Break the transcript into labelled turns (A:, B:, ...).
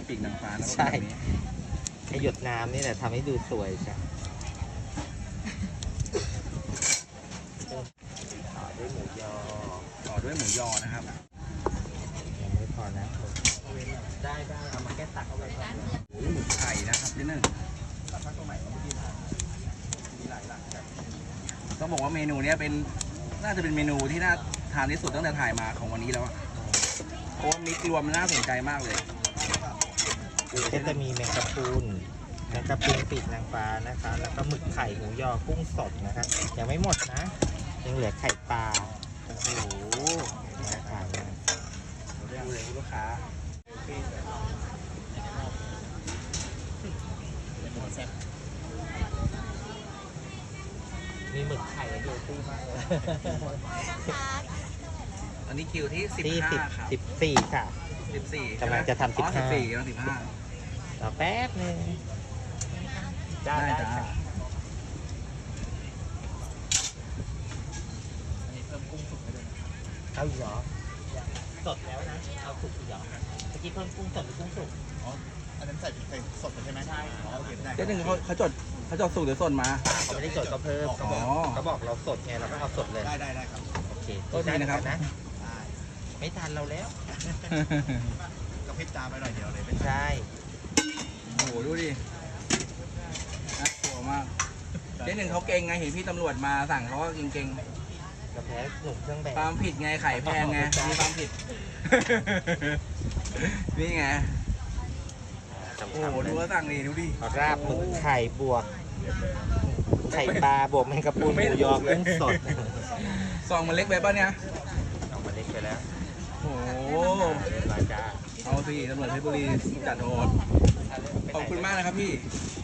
A: ปีกนางฟ้าแล้วก็
B: ใช่
A: แบบนี้
B: ไอหยดน้ำนี่แหละทำให้ดูสวยจ้ะต่อด้วยหมูยอ
A: ต่อด้วยหมูยอนะครับ
B: ยังไม่พอนะได้เอามาแก้ตักเอาไว้ก่อน
A: โอ้ยหมึกไข่นะครับนิดนึงต้องบอกว่าเมนูเนี้ยเป็นน่าจะเป็นเมนูที่น่าทานที่สุดตั้งแต่ถ่ายมาของวันนี้แล้วอะเพราะว่ามิกรวมมันน่าสนใจมากเลย
B: ก็จะมีแมงกะพรุนปีกนางฟ้านะคะ แล้วก็หมึกไข่หมูยอกุ้งสดนะคะยังไม่หมดนะ ยังเหลือไข่ปลาโอ้โหน่าทานมาก
A: ดูเลยลูกค้า
B: มีหมึกไข่เยอะตี้มากเลย
A: อันนี้คิวที่
B: ที่
A: 15ครับ
B: 14ค่ะ
A: 14
B: กำลังจะทำ
A: อ๋อ
B: 15
A: 14กำลัง15
B: รอแป๊บนึงได้
A: ได้จ้า
B: ค่ะ
A: อันนี้เพิ่มกุ้งสุกให้ด้วยนะครับ
B: เอาอีกเหรอสดแล้วนะเอาสุกอีกเหรอเมื่อกี้เพิ่มกุ้งสดหรือกุ้งสุก
C: อันนั้นใส่เป็นสดใช่ไหมใช่อ๋อโอเคได้
A: เจ๊หนึ่งเขาจดสูตรหรือสดมา
B: เขาไม่ได้จดก็เพิ่มเขาบอก
A: อ๋อ
B: เขาบอกเราสดไงเราก็เอาสดเลย
C: ได้ครับ
B: โอเค
A: โทษทีนะครับ
B: ได้
C: ได้
B: ไม่ทันเราแล้ว
C: กระพริบตาไปหน่อยเดียวเลย
B: ใช่
A: โอ้โหดูดิน่ากลัวมากเจ๊หนึ่งเขาเก่งไงเห็นพี่ตำรวจมาสั่งเขาก็เก่ง
B: กระแพ้หนุ่มเครื่องแบบ
A: ๆความผิดไงไข่แพงไงมีความผิด นี่ไง
B: ทำ
A: โอ้โห
B: ๆเล
A: ดู
B: ย
A: ว่าสั่งนี่ดูดิ
B: ราบหมึกไข่บวกไข่ปลาบวกแมงกะพรุนหมูยอกุ้งสด
A: ซองมันเล็กไปป่ะเนี่ย
B: เอามาเล็กไปแล้ว
A: โอ้โห
B: เรียบร้อยจ้า
A: เอาสิตำรวจเพชรบุรีจัดโหดขอบคุณมากนะครับพี่
B: จ